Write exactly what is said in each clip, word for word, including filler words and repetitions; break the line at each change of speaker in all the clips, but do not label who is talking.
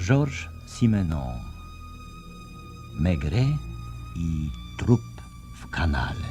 Georges Simenon. Maigret i trup w kanale.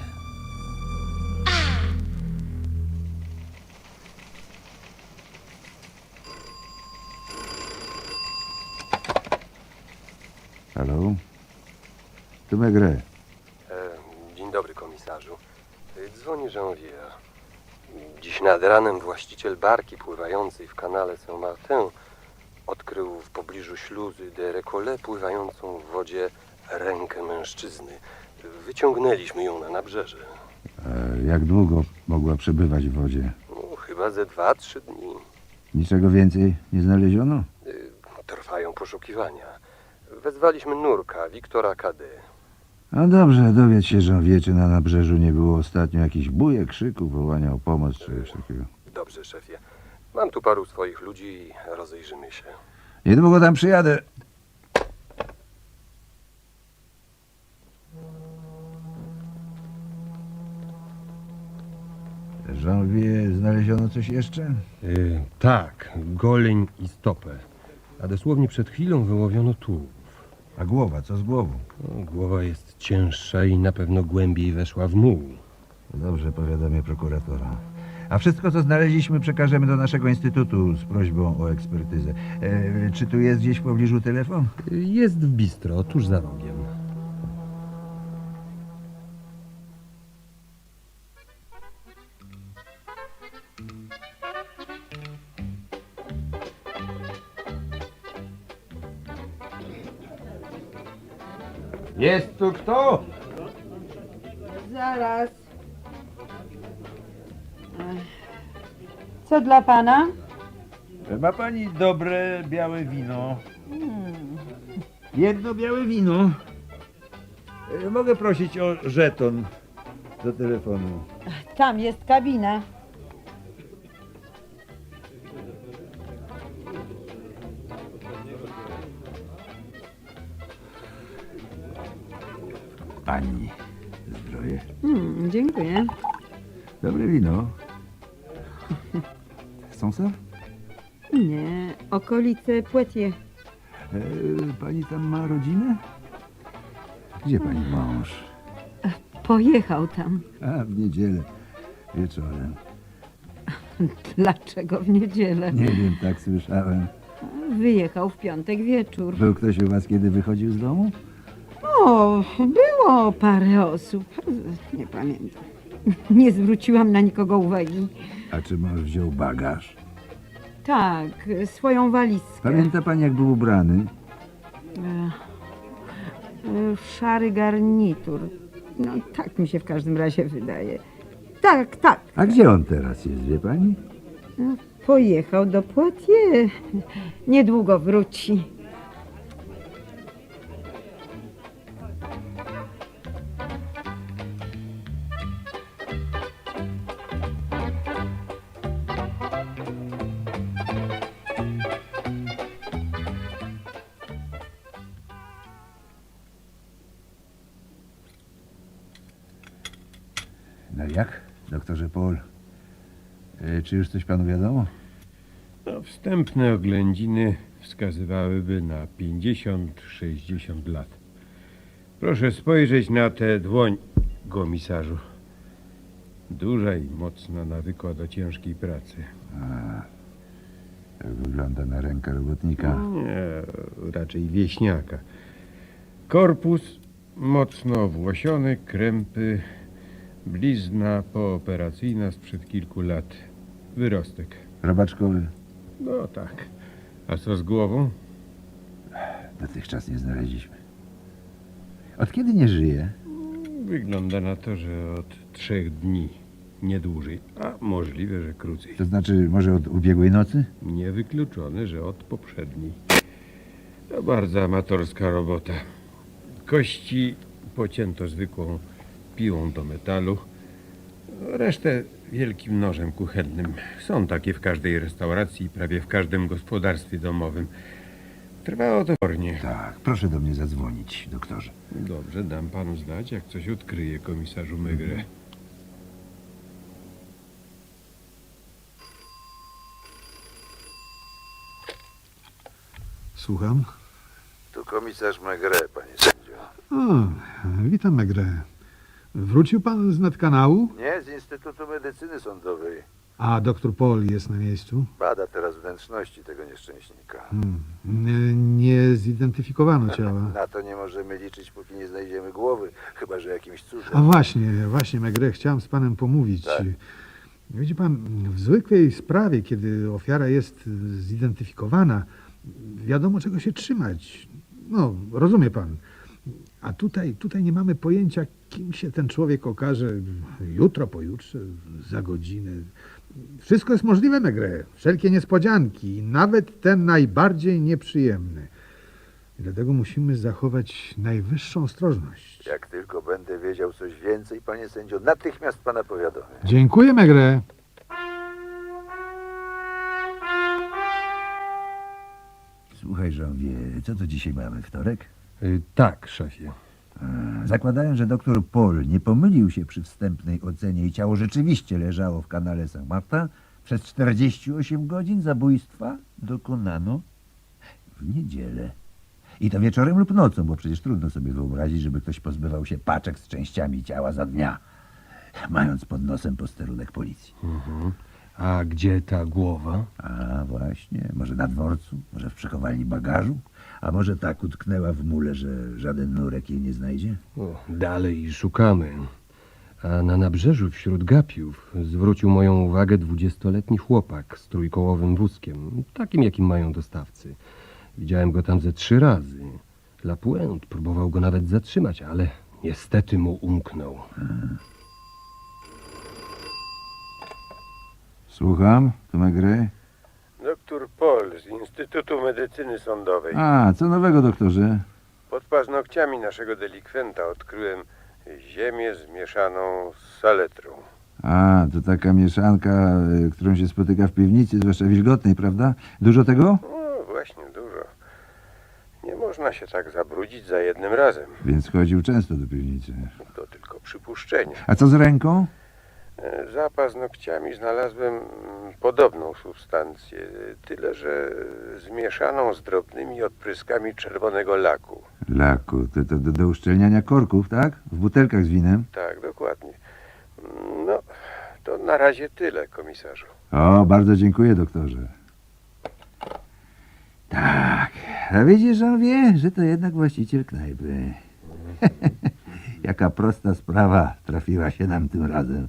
Halo? Tu Maigret.
E, dzień dobry, komisarzu. E, Dzwoni Janvier. Dziś nad ranem właściciel barki pływającej w kanale Saint-Martin odkrył w pobliżu śluzy de Récollet pływającą w wodzie rękę mężczyzny. Wyciągnęliśmy ją na nabrzeże.
E, jak długo mogła przebywać w wodzie?
No, chyba ze dwa, trzy dni.
Niczego więcej nie znaleziono?
E, trwają poszukiwania. Wezwaliśmy nurka, Wiktora Cadet.
A dobrze, dowiedz się, że wie, czy na nabrzeżu nie było ostatnio jakichś bujek, krzyków, wołania o pomoc, czy coś takiego.
Dobrze, szefie. Mam tu paru swoich ludzi i rozejrzymy się.
Niedługo tam przyjadę. Janvier, znaleziono coś jeszcze?
Yy, tak, goleń i stopę. A dosłownie przed chwilą wyłowiono tułów.
A głowa, co z głową?
No, głowa jest cięższa i na pewno głębiej weszła w muł.
Dobrze, powiadamię prokuratora. A wszystko, co znaleźliśmy, przekażemy do naszego instytutu z prośbą o ekspertyzę. E, czy tu jest gdzieś w pobliżu telefon?
Yy, Jest w bistro, tuż za rogiem.
Jest tu kto?
Zaraz. Ech. Co dla pana?
Ma pani dobre białe wino? Jedno białe wino. E, Mogę prosić o żeton do telefonu.
Tam jest kabina.
Pani zdrowie.
Hmm, dziękuję.
Dobre wino. Chcą ser?
Nie, okolice Poitiers.
E, pani tam ma rodzinę? Gdzie pani mąż?
Pojechał tam.
A, w niedzielę wieczorem.
Dlaczego w niedzielę?
Nie wiem, tak słyszałem.
Wyjechał w piątek wieczór.
Był ktoś u was, kiedy wychodził z domu?
O, było parę osób. Nie pamiętam. Nie zwróciłam na nikogo uwagi.
A czy mąż wziął bagaż?
Tak, swoją walizkę.
Pamięta pani, jak był ubrany?
Ech, e, Szary garnitur. No tak mi się w każdym razie wydaje. Tak, tak.
A gdzie on teraz jest, wie pani?
No, pojechał do Poitiers. Niedługo wróci.
No jak, doktorze Paul? E, czy już coś panu wiadomo?
No, wstępne oględziny wskazywałyby na pięćdziesiąt sześćdziesiąt lat. Proszę spojrzeć na tę dłoń, komisarzu. Duża i mocno nawykła do ciężkiej pracy.
A, tak wygląda na rękę robotnika.
Nie, raczej wieśniaka. Korpus mocno włosiony, krępy, blizna pooperacyjna sprzed kilku lat. Wyrostek.
Robaczkowy?
No tak. A co z głową?
Dotychczas nie znaleźliśmy. Od kiedy nie żyje?
Wygląda na to, że od trzech dni, nie dłużej, a możliwe, że krócej.
To znaczy, może od ubiegłej nocy?
Niewykluczone, że od poprzedniej. To bardzo amatorska robota. Kości pocięto zwykłą piłą do metalu, resztę wielkim nożem kuchennym. Są takie w każdej restauracji i prawie w każdym gospodarstwie domowym. Trwało to pornie.
Tak, proszę do mnie zadzwonić, doktorze.
Dobrze, dam panu znać, jak coś odkryje, komisarzu Maigret.
Słucham.
Tu komisarz Maigret, panie sędzio.
O, witam, Megre. Wrócił pan z nadkanału?
Nie, z Instytutu Medycyny Sądowej.
A doktor Paul jest na miejscu?
Bada teraz wnętrzności tego nieszczęśnika.
Hmm. Nie, nie zidentyfikowano ciała.
Na to nie możemy liczyć, póki nie znajdziemy głowy, chyba że jakimś cudem.
A właśnie, właśnie, Megre, chciałem z panem pomówić.
Tak.
Widzi pan, w zwykłej sprawie, kiedy ofiara jest zidentyfikowana, wiadomo czego się trzymać. No, rozumie pan. A tutaj, tutaj nie mamy pojęcia, kim się ten człowiek okaże jutro, pojutrze, za godzinę. Wszystko jest możliwe, Megre. Wszelkie niespodzianki, nawet te najbardziej nieprzyjemne. I dlatego musimy zachować najwyższą ostrożność.
Jak tylko będę wiedział coś więcej, panie sędzio, natychmiast pana powiadomię.
Dziękuję, Megre.
Słuchaj, Żąwie, co to dzisiaj mamy, wtorek?
Y, tak, szefie.
Zakładając, że doktor Paul nie pomylił się przy wstępnej ocenie i ciało rzeczywiście leżało w kanale Saint-Martin, przez czterdzieści osiem godzin zabójstwa dokonano w niedzielę. I to wieczorem lub nocą, bo przecież trudno sobie wyobrazić, żeby ktoś pozbywał się paczek z częściami ciała za dnia, mając pod nosem posterunek policji.
Mhm. A gdzie ta głowa?
A właśnie, może na dworcu, może w przechowalni bagażu, a może tak utknęła w mule, że żaden nurek jej nie znajdzie?
O, dalej szukamy. A na nabrzeżu wśród gapiów zwrócił moją uwagę dwudziestoletni chłopak z trójkołowym wózkiem, takim jakim mają dostawcy. Widziałem go tam ze trzy razy. Lapuente próbował go nawet zatrzymać, ale niestety mu umknął.
Słucham, to Maigret.
Doktor Paul z Instytutu Medycyny Sądowej.
A, co nowego, doktorze?
Pod paznokciami naszego delikwenta odkryłem ziemię zmieszaną z saletrą.
A, to taka mieszanka, y, którą się spotyka w piwnicy, zwłaszcza wilgotnej, prawda? Dużo tego?
No właśnie, dużo. Nie można się tak zabrudzić za jednym razem.
Więc chodził często do piwnicy.
To tylko przypuszczenie.
A co z ręką?
E, Za paznokciami znalazłem mm, podobną substancję, tyle że zmieszaną z drobnymi odpryskami czerwonego laku.
Laku, to, to do, do uszczelniania korków, tak? W butelkach z winem.
Tak, dokładnie. No, to na razie tyle, komisarzu.
O, bardzo dziękuję, doktorze. Tak, a widzisz, on wie, że to jednak właściciel knajpy. Jaka prosta sprawa trafiła się nam tym razem.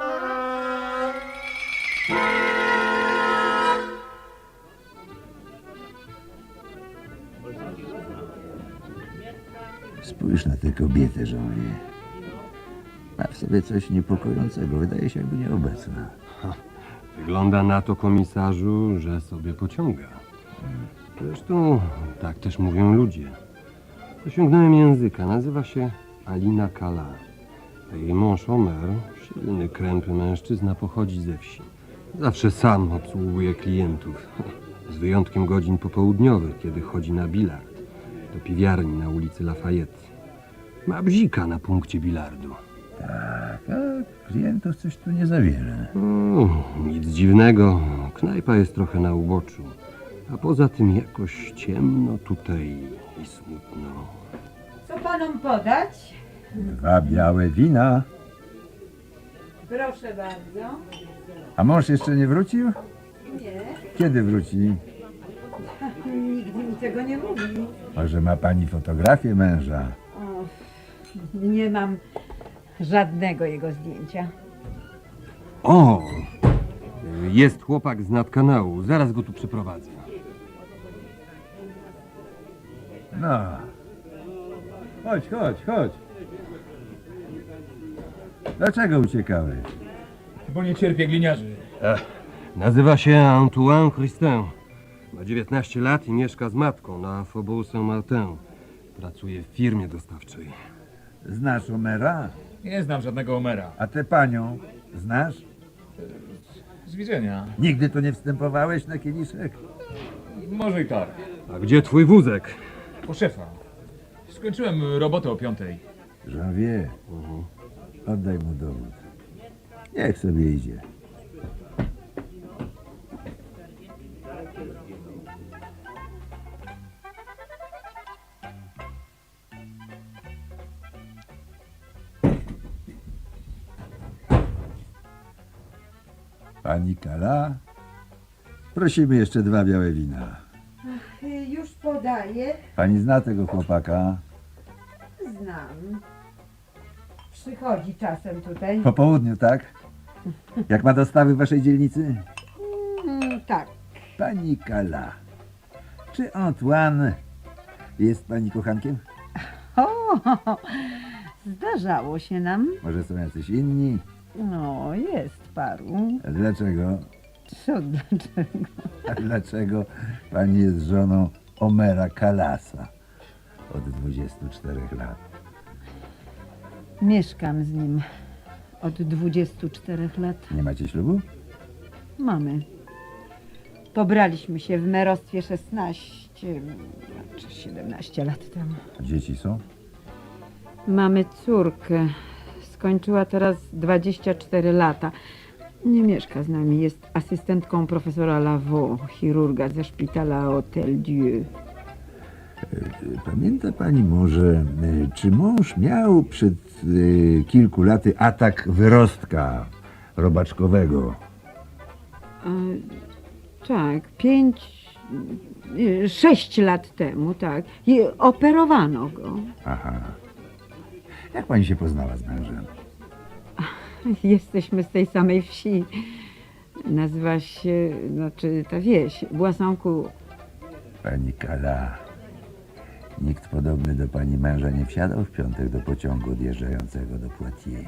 Spójrz na tę kobietę, żołnierz. Ma w sobie coś niepokojącego. Wydaje się, jakby nieobecna.
Wygląda na to, komisarzu, że sobie pociąga. Zresztą tak też mówią ludzie. Dosiągnąłem języka. Nazywa się Alina Kala. A jej mąż Omer, silny, krępy mężczyzna, pochodzi ze wsi. Zawsze sam obsługuje klientów. Z wyjątkiem godzin popołudniowych, kiedy chodzi na bilard. Do piwiarni na ulicy Lafayette. Ma bzika na punkcie bilardu.
Tak, a klientów coś tu nie zawiera.
Mm, nic dziwnego. Knajpa jest trochę na uboczu. A poza tym jakoś ciemno tutaj i smutno.
Co panom podać?
Dwa białe wina.
Proszę bardzo.
A mąż jeszcze nie wrócił?
Nie,
Kiedy wróci?
nigdy mi tego nie mówi.
Może ma pani fotografię męża?
O, nie mam żadnego jego zdjęcia.
O! Jest chłopak z nadkanału. Zaraz go tu przyprowadzę.
No. Chodź, chodź, chodź. Dlaczego uciekałeś?
Bo nie cierpię gliniarzy.
Nazywa się Antoine Christin. Ma dziewiętnaście lat i mieszka z matką na Faubourg Saint-Martin. Pracuje w firmie dostawczej.
Znasz Omera?
Nie znam żadnego Omera.
A tę panią znasz?
Z widzenia.
Nigdy tu nie wstępowałeś na kieliszek?
Może i tak.
A gdzie twój wózek?
Po szefa. Skończyłem robotę o piątej.
Żawie, oddaj mu dowód. Niech sobie idzie. Pani Kala? Prosimy jeszcze dwa białe wina.
Już podaję.
Pani zna tego chłopaka?
Znam. Przychodzi czasem tutaj.
Po południu, tak? Jak ma dostawy w waszej dzielnicy?
Mm, tak.
Pani Kala, czy Antoine jest pani kochankiem?
O, zdarzało się nam.
Może są jacyś inni?
No, jest paru.
A dlaczego?
Co dlaczego?
A dlaczego pani jest żoną Omera Kalasa od dwudziestu czterech lat?
Mieszkam z nim od dwudziestu czterech lat.
Nie macie ślubu?
Mamy. Pobraliśmy się w merostwie szesnaście czy siedemnaście lat temu.
Dzieci są?
Mamy córkę. Skończyła teraz dwadzieścia cztery lata. Nie mieszka z nami. Jest asystentką profesora Lavaux, chirurga ze szpitala Hotel Dieu.
Pamięta pani może, y, czy mąż miał przed y, kilku laty atak wyrostka robaczkowego?
E, tak, pięć, e, sześć lat temu, tak. I operowano go.
Aha. Jak pani się poznała z mężem?
Jesteśmy z tej samej wsi. Nazywa się, znaczy ta wieś, Boissoncourt.
Pani Kala, nikt podobny do pani męża nie wsiadał w piątek do pociągu odjeżdżającego do Poitiers.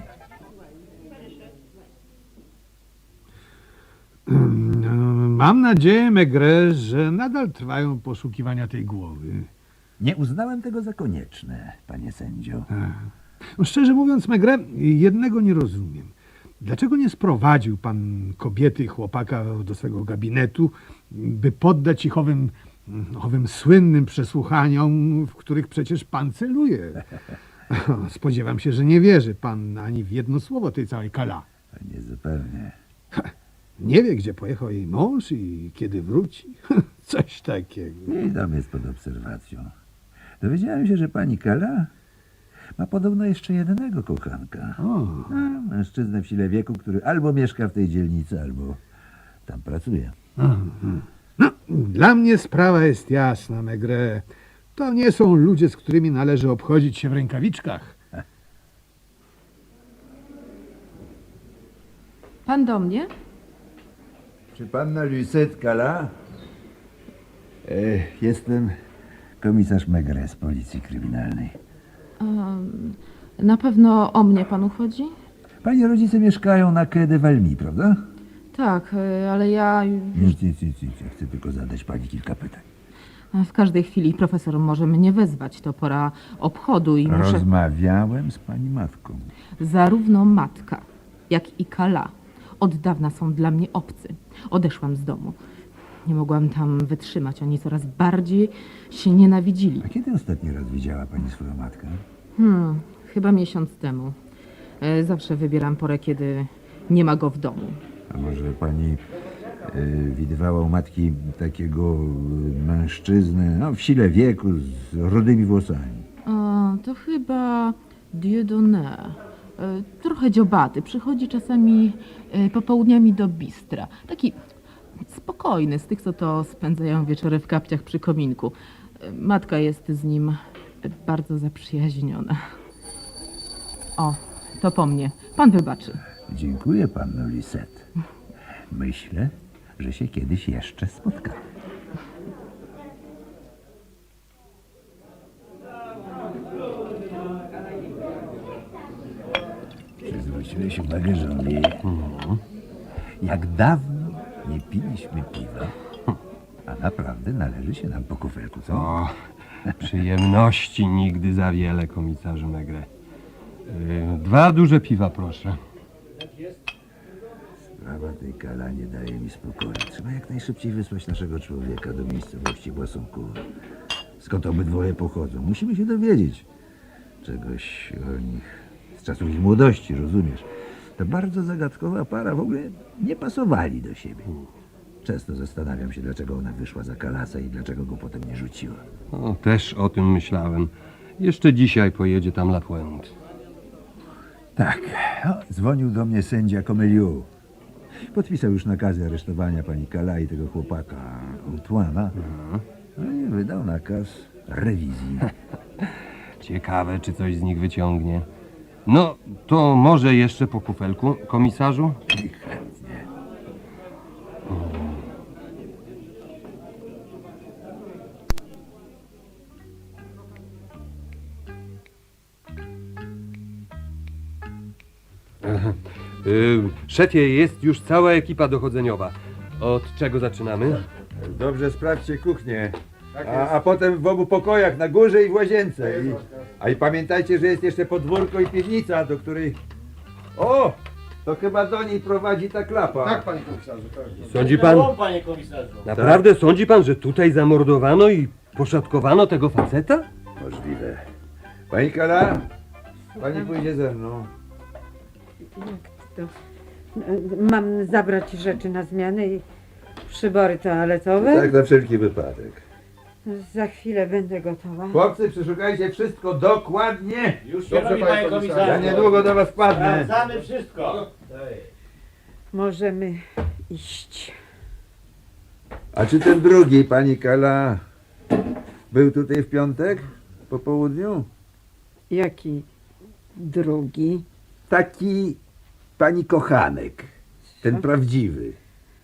Mam nadzieję, Maigret, że nadal trwają poszukiwania tej głowy.
Nie uznałem tego za konieczne, panie sędzio.
No, szczerze mówiąc, Maigret, jednego nie rozumiem. Dlaczego nie sprowadził pan kobiety i chłopaka do swego gabinetu, by poddać ich owym, owym słynnym przesłuchaniom, w których przecież pan celuje? Spodziewam się, że nie wierzy pan ani w jedno słowo tej całej Kala.
Nie zupełnie.
Nie wie, gdzie pojechał jej mąż i kiedy wróci. Coś takiego.
I dom jest pod obserwacją. Dowiedziałem się, że pani Kala ma podobno jeszcze jednego kochanka.
O.
A, mężczyznę w sile wieku, który albo mieszka w tej dzielnicy, albo tam pracuje.
No, dla mnie sprawa jest jasna, Maigret. To nie są ludzie, z którymi należy obchodzić się w rękawiczkach.
Pan do mnie?
Czy panna Lucette Kala? E, jestem komisarz Maigret z policji kryminalnej.
Um, na pewno o mnie panu chodzi?
Pani rodzice mieszkają na Quai de Valmy, prawda?
Tak, y, ale ja
Nic, nic, nic, nic. Ja chcę tylko zadać pani kilka pytań.
w każdej chwili profesor może mnie wezwać. To pora obchodu i muszę...
Rozmawiałem z pani matką.
Zarówno matka, jak i Kala od dawna są dla mnie obcy. Odeszłam z domu. Nie mogłam tam wytrzymać. Oni coraz bardziej się nienawidzili.
A kiedy ostatni raz widziała pani swoją matkę?
Hmm, chyba miesiąc temu. E, Zawsze wybieram porę, kiedy nie ma go w domu.
A może pani y, widywała u matki takiego y, mężczyznę, no, w sile wieku, z rudymi włosami?
O, to chyba Dieudonné. E, Trochę dziobaty. Przychodzi czasami e, popołudniami do bistra. Taki spokojny, z tych, co to spędzają wieczory w kapciach przy kominku. E, Matka jest z nim e, bardzo zaprzyjaźniona. O, to po mnie. Pan wybaczy.
Dziękuję panu Lisette. Myślę, że się kiedyś jeszcze spotkamy. Czy zwróciłeś uwagę, że on wie, jak dawno nie piliśmy piwa, a naprawdę należy się nam po kufelku, co?
O, przyjemności nigdy za wiele, komisarzu Maigret. Yy, Dwa duże piwa, proszę.
Sprawa tej Kala nie daje mi spokoju. Trzeba jak najszybciej wysłać naszego człowieka do miejscowości Boissoncourt. Skąd obydwoje pochodzą? Musimy się dowiedzieć czegoś o nich. Z czasów ich młodości, rozumiesz? To bardzo zagadkowa para, w ogóle nie pasowali do siebie. Często zastanawiam się, dlaczego ona wyszła za Kalasa i dlaczego go potem nie rzuciła.
O, też o tym myślałem. Jeszcze dzisiaj pojedzie tam Lapointe.
Tak, o, dzwonił do mnie sędzia Comeliu. Podpisał już nakazy aresztowania pani Kala i tego chłopaka Antoana. No i wydał nakaz rewizji.
Ciekawe, czy coś z nich wyciągnie. No, to może jeszcze po kufelku, komisarzu?
I chętnie.
Yy, szefie, jest już cała ekipa dochodzeniowa. Od czego zaczynamy?
Dobrze, sprawdźcie kuchnię. A, a potem w obu pokojach, na górze i w łazience. I, a i pamiętajcie, że jest jeszcze podwórko i piwnica, do której... O! To chyba do niej prowadzi ta klapa.
Tak, panie komisarzu. Tak.
Sądzi pan,
Panie komisarzu.
naprawdę sądzi pan, że tutaj zamordowano i poszatkowano tego faceta?
Możliwe. Pani Kala, pani pójdzie ze mną.
Jak to? Mam zabrać rzeczy na zmianę i przybory toaletowe?
Tak, na wszelki wypadek.
Za chwilę będę gotowa.
Chłopcy, przeszukajcie wszystko dokładnie.
Już
Dobrze,
robi,
panie
panie
komisarzu.
komisarzu.
Ja niedługo do was wpadnę.
Sprawdzamy wszystko.
Możemy iść.
A czy ten drugi, pani Kala, był tutaj w piątek po południu?
Jaki drugi?
Taki pani kochanek. Ten prawdziwy.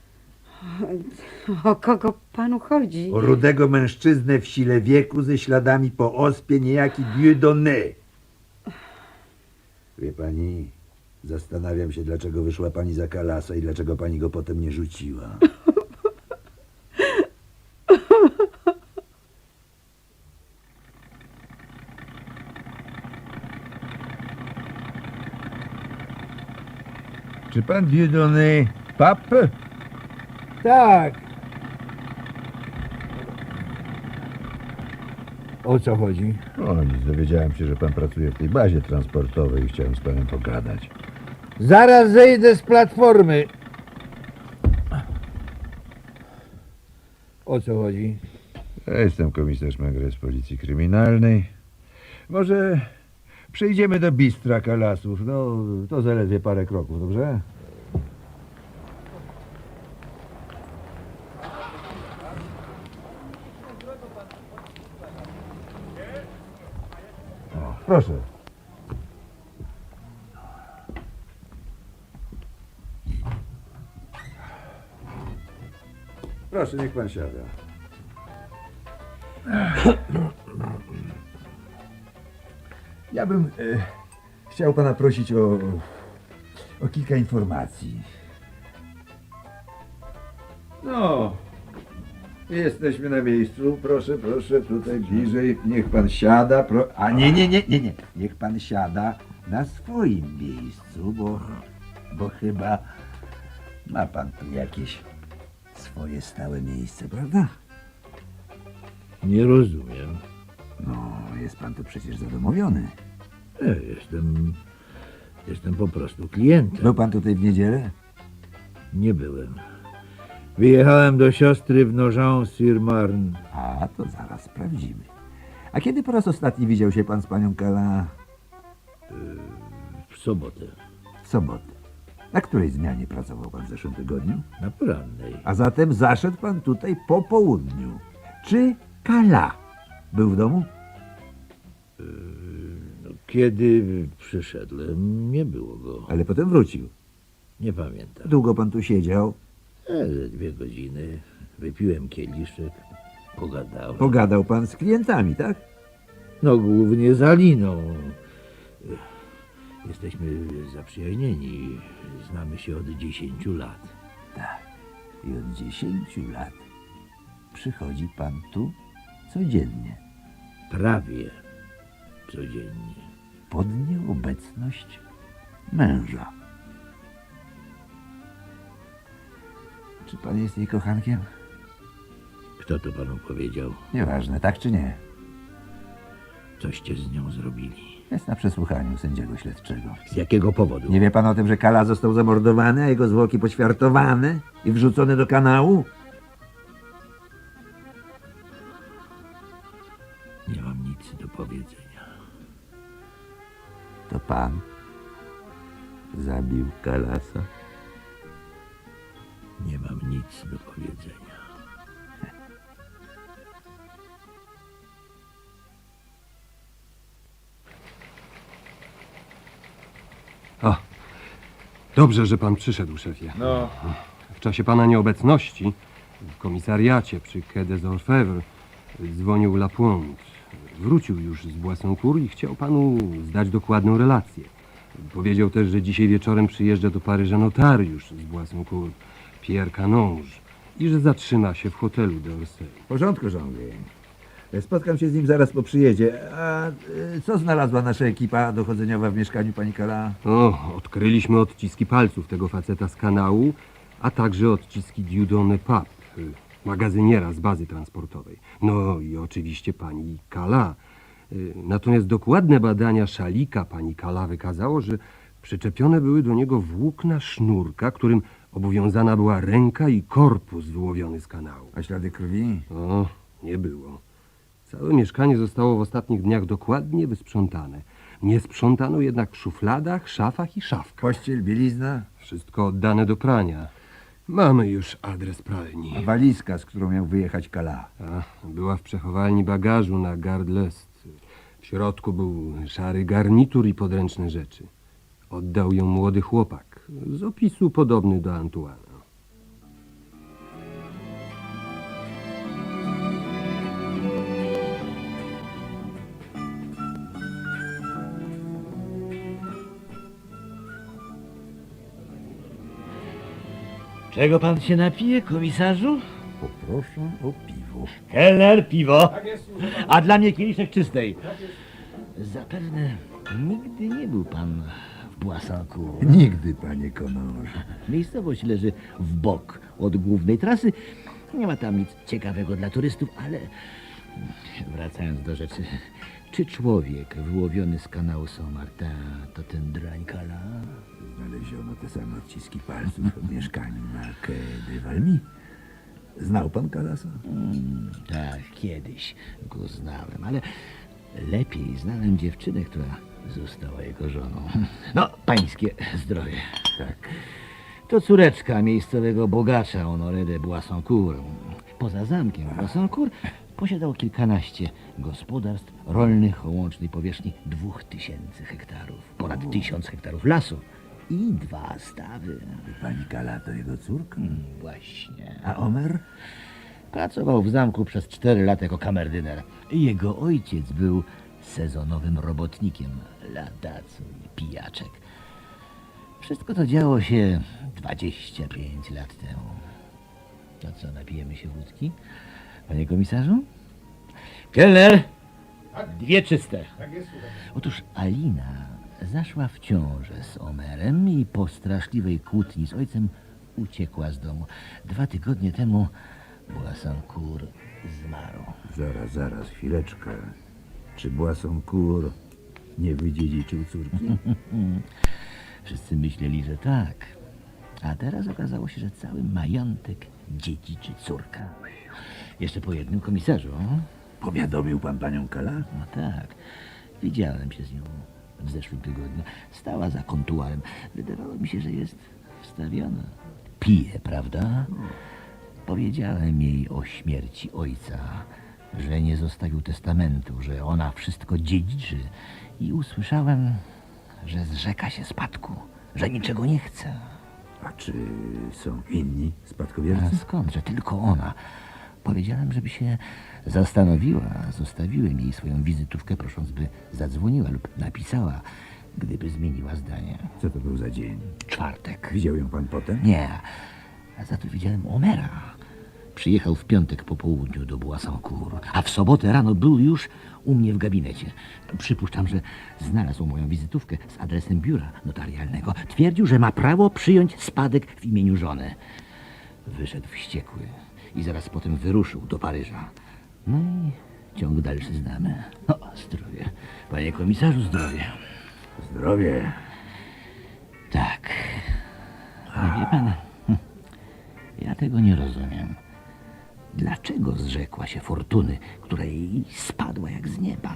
O kogo panu chodzi?
O rudego mężczyznę w sile wieku ze śladami po ospie, niejaki Dieudonné. Wie pani, zastanawiam się, dlaczego wyszła pani za Kalasa i dlaczego pani go potem nie rzuciła. Czy pan Dieudonné Pape? Tak. O co chodzi?
O nic, dowiedziałem się, że pan pracuje w tej bazie transportowej i chciałem z panem pogadać.
Zaraz zejdę z platformy. O co chodzi?
Ja jestem komisarz Megre z Policji Kryminalnej. Może przejdziemy do bistra Kalasów. No, to zaledwie parę kroków, dobrze? O, proszę.
Proszę, niech pan siada.
Ja bym e, chciał pana prosić o, o kilka informacji.
No, jesteśmy na miejscu. Proszę, proszę, tutaj bliżej. Niech pan siada. Pro... A nie, nie, nie, nie, nie. Niech pan siada na swoim miejscu, bo, bo chyba ma pan tu jakieś swoje stałe miejsce, prawda?
Nie rozumiem.
No, jest pan tu przecież zadomowiony.
Ja jestem, jestem po prostu klientem.
Był pan tutaj w niedzielę?
Nie byłem. Wyjechałem do siostry w Nogent-sur-Marne.
A, to zaraz sprawdzimy. A kiedy po raz ostatni widział się pan z panią Kala?
W sobotę.
W sobotę. Na której zmianie pracował pan w zeszłym tygodniu?
Na porannej.
A zatem zaszedł pan tutaj po południu. Czy Kala był w domu?
No, kiedy przyszedłem, nie było go.
Ale potem wrócił.
Nie pamiętam.
Długo pan tu siedział?
E, ze dwie godziny. Wypiłem kieliszek. Pogadałem.
Pogadał pan z klientami, tak?
No głównie z Aliną. Jesteśmy zaprzyjaźnieni. Znamy się od dziesięciu lat.
Tak. I od dziesięciu lat przychodzi pan tu codziennie.
Prawie codziennie.
Pod nieobecność męża. Czy pan jest jej kochankiem?
Kto to panu powiedział?
Nieważne, tak czy nie.
Coście z nią zrobili?
Jest na przesłuchaniu sędziego śledczego.
Z jakiego powodu?
Nie wie pan o tym, że Kala został zamordowany, a jego zwłoki poćwiartowane i wrzucone do kanału?
Nie mam nic do powiedzenia.
To pan zabił Kalasa?
nie mam nic do powiedzenia.
O, dobrze, że pan przyszedł, szefie.
No,
W czasie pana nieobecności w komisariacie przy Quai des Orfèvres dzwonił Lapointe. Wrócił już z Boissoncourt i chciał panu zdać dokładną relację. Powiedział też, że dzisiaj wieczorem przyjeżdża do Paryża notariusz z Boissoncourt, Pierre Canonge, i że zatrzyma się w hotelu d'Orsay.
W porządku, Jean-Louis. Spotkam się z nim zaraz po przyjeździe. A y, co znalazła nasza ekipa dochodzeniowa w mieszkaniu pani Kala?
O, odkryliśmy odciski palców tego faceta z kanału, a także odciski Dieudonné Pape, y, magazyniera z bazy transportowej. No i oczywiście pani Kala. Y, Natomiast dokładne badania szalika pani Kala wykazało, że przyczepione były do niego włókna sznurka, którym obowiązana była ręka i korpus wyłowiony z kanału.
A ślady krwi?
O, nie było. Całe mieszkanie zostało w ostatnich dniach dokładnie wysprzątane. Nie sprzątano jednak w szufladach, szafach i szafkach.
Pościel, bielizna?
Wszystko oddane do prania. Mamy już adres pralni.
A walizka, z którą miał wyjechać Kala?
A, była w przechowalni bagażu na Gare de l'Est. W środku był szary garnitur i podręczne rzeczy. Oddał ją młody chłopak, z opisu podobny do Antoana.
Czego pan się napije, komisarzu?
Poproszę o piwo.
Kelner, piwo.
tak jest, słuchaj pan.
A dla mnie kieliszek czystej. Zapewne nigdy nie był pan w Boissoncourt.
Nigdy, panie Konorze.
Miejscowość leży w bok od głównej trasy. Nie ma tam nic ciekawego dla turystów, ale wracając do rzeczy, czy człowiek wyłowiony z kanału Saint-Martin to ten drań Kala?
Znaleziono te same odciski palców w mieszkaniu na Quai de Valmy. Znał pan Kalasa?
Mm, tak, kiedyś go znałem, ale lepiej znałem dziewczynę, która została jego żoną. No, pańskie zdrowie.
Tak.
To córeczka miejscowego bogacza Honoré de Boissoncourt. Poza zamkiem Boissoncourt posiadał kilkanaście gospodarstw rolnych o łącznej powierzchni dwóch tysięcy hektarów, ponad tysiąc hektarów lasu i dwa stawy.
Pani Kala to jego córka?
Hmm, właśnie.
A Omer?
Pracował w zamku przez cztery lata jako kamerdyner. Jego ojciec był sezonowym robotnikiem, ladacu i pijaczek. Wszystko to działo się dwadzieścia pięć lat temu. To co, napijemy się wódki? Panie komisarzu? Kelner! Dwie czyste.
Tak jest, słuchaj pan.
Otóż Alina zaszła w ciążę z Omerem i po straszliwej kłótni z ojcem uciekła z domu. Dwa tygodnie temu Boissoncourt zmarł.
Zaraz, zaraz, chwileczkę. Czy Boissoncourt nie wydziedziczył córki?
Wszyscy myśleli, że tak. A teraz okazało się, że cały majątek dziedziczy córka. Jeszcze po jednym komisarzu.
Powiadomił pan panią Kala?
No tak. Widziałem się z nią w zeszłym tygodniu. Stała za kontuarem. Wydawało mi się, że jest wstawiona. Pije, prawda? Powiedziałem jej o śmierci ojca, że nie zostawił testamentu, że ona wszystko dziedziczy i usłyszałem, że zrzeka się spadku, że niczego nie chce.
A czy są inni
A
spadkobiercy?
skąd, że tylko ona? Powiedziałem, żeby się zastanowiła. Zostawiłem jej swoją wizytówkę, prosząc, by zadzwoniła lub napisała, gdyby zmieniła zdanie.
Co to był za dzień?
Czwartek.
Widział ją pan potem?
Nie, a za to widziałem Omera. Przyjechał w piątek po południu do Boissoncourt, a w sobotę rano był już u mnie w gabinecie. Przypuszczam, że znalazł moją wizytówkę z adresem biura notarialnego. Twierdził, że ma prawo przyjąć spadek w imieniu żony. Wyszedł wściekły i zaraz potem wyruszył do Paryża. No i ciąg dalszy znamy. O, zdrowie. Panie komisarzu, zdrowie.
Zdrowie.
Tak. A wie pan, hm, ja tego nie rozumiem. Dlaczego zrzekła się fortuny, która jej spadła jak z nieba?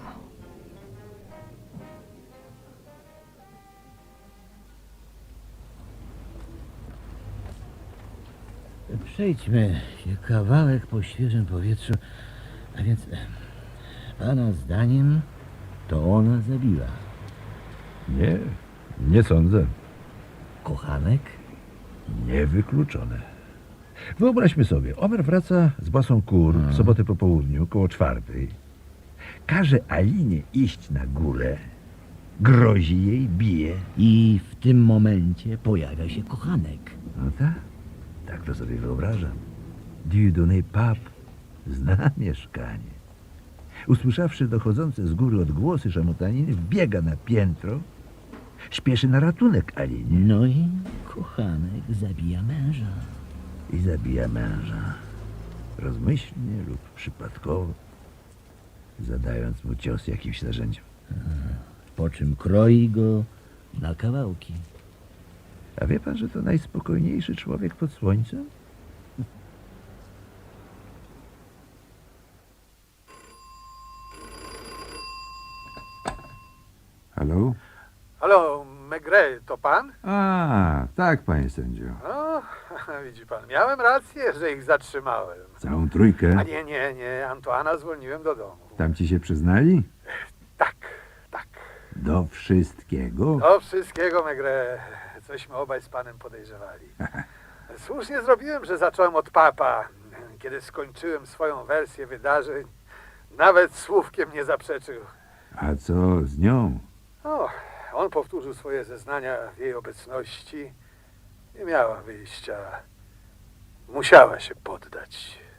Przejdźmy się kawałek po świeżym powietrzu. A więc, e, pana zdaniem, to ona zabiła
Nie, nie sądzę.
kochanek?
Niewykluczone. Wyobraźmy sobie, Omer wraca z basą kur w sobotę po południu, koło czwartej. Każe Alinie iść na górę, grozi jej, bije.
I w tym momencie pojawia się kochanek.
No tak, tak to sobie wyobrażam. Dieudonné Pape zna mieszkanie. Usłyszawszy dochodzące z góry odgłosy szamotaniny, wbiega na piętro, śpieszy na ratunek Alinie
No i kochanek zabija męża.
i zabija męża. Rozmyślnie lub przypadkowo, zadając mu cios jakimś narzędziem.
Po czym kroi go na kawałki.
A wie pan, że to najspokojniejszy człowiek pod słońcem?
Halo?
Halo, Maigret, to pan?
A, tak, panie sędzio.
O, widzi pan, miałem rację, że ich zatrzymałem.
Całą trójkę.
A nie, nie, nie, Antoana zwolniłem do domu.
Tam ci się przyznali?
Tak, tak.
Do wszystkiego?
Do wszystkiego, Maigret. Cośmy obaj z panem podejrzewali. Słusznie zrobiłem, że zacząłem od papa. Kiedy skończyłem swoją wersję wydarzeń, nawet słówkiem nie zaprzeczył.
A co z nią?
O, on powtórzył swoje zeznania w jej obecności. Nie miała wyjścia. Musiała się poddać.